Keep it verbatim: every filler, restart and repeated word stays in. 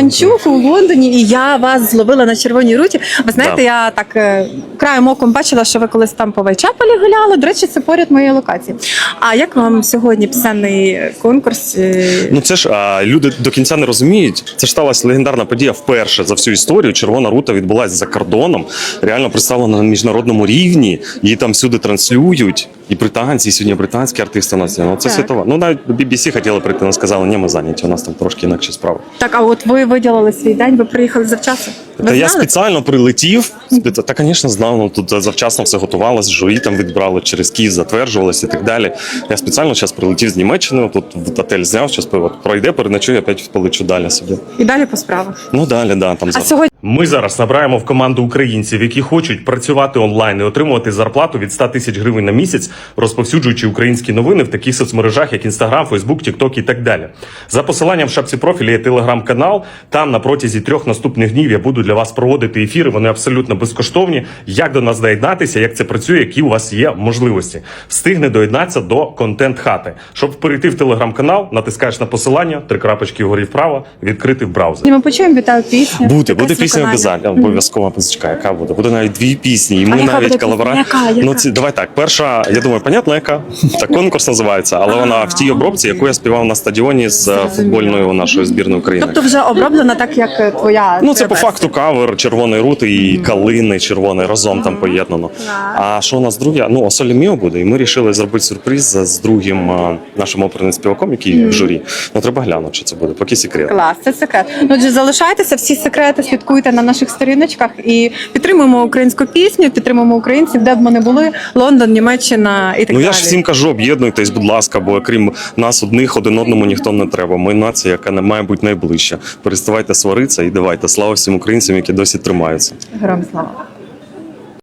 Іванчук у Лондоні, і я вас зловила на Червоній руті. Ви знаєте, Да. я так е, краєм оком бачила, що ви колись там по Вайчаполі гуляли. До речі, це поряд моєї локації. А як вам сьогодні пісенний конкурс? Е, Ну це ж а, люди до кінця не розуміють. Це ж сталася легендарна подія вперше за всю історію. Червона рута відбулася за кордоном, реально представлена на міжнародному рівні. Її там всюди транслюють. І британці, і сьогодні британські артисти у нас є. Ну це Так. світова. Ну навіть бі бі сі хотіли прийти, але сказали, ні, ми зайняті. У нас там трошки інакші справи. Так, а от ви виділили свій день, ви приїхали завчасно? Ви Та я знали? спеціально прилетів. спеці- Та, звісно, знав. Ну, тут завчасно все готувалось, журі там відбрали через Київ, затверджувалось і так далі. Я спеціально зараз прилетів з Німеччини, тут в готель зняв, зараз пройде, переночую, опять полечу далі собі. І далі по справах. Ну далі, да, там А зараз. сьогодні Ми зараз набираємо в команду українців, які хочуть працювати онлайн і отримувати зарплату від ста тисяч гривень на місяць, розповсюджуючи українські новини в таких соцмережах, як Інстаграм, Фейсбук, Тікток і так далі. За посиланням в шапці профіля є телеграм-канал. Там на протязі трьох наступних днів я буду для вас проводити ефіри. Вони абсолютно безкоштовні. Як до нас доєднатися, як це працює, які у вас є можливості. Встигне доєднатися до контент-хати. Щоб перейти в телеграм-канал, натискаєш на посилання, три крапочки вгорі вправо, відкрити в браузері. ми почуємо вітаю пісню. Буде, буде Якась пісня виконання. обов'язково, обов'язково музичка, яка буде. Буде навіть дві пісні, і ми А яка навіть буде колаборація. пісня? Яка? Яка? Ну, ці, давай так, перша, я думаю, понятно, яка. Так, конкурс називається, але вона в тій обробці, яку я співав на стадіоні з е, футбольною нашої збірної України. Тобто вже оброблена так, як твоя. Ну, це твоя по версія. факту кавер червоної рути і калини червоної разом там поєднано. А що у нас друге? Ну, Осолі Міо буде, і ми вирішили зробити сюрприз з другим а, нашим оперним співаком, який в журі. Ну, треба глянути, що це буде, поки секрет. Клас, це секрет. Ну, отже, залишайтеся, всі секрети слідкуйте на наших сторіночках і підтримуємо українську пісню, підтримуємо українців, де б ми не були, Лондон, Німеччина і так Ну далі. я ж всім кажу, об'єднуйтесь, будь ласка, бо крім нас одних, один одному ніхто не треба. Ми нація, яка не має бути найближча. Переставайте сваритися і давайте. Слава всім українцям, які досі тримаються. Героям слава.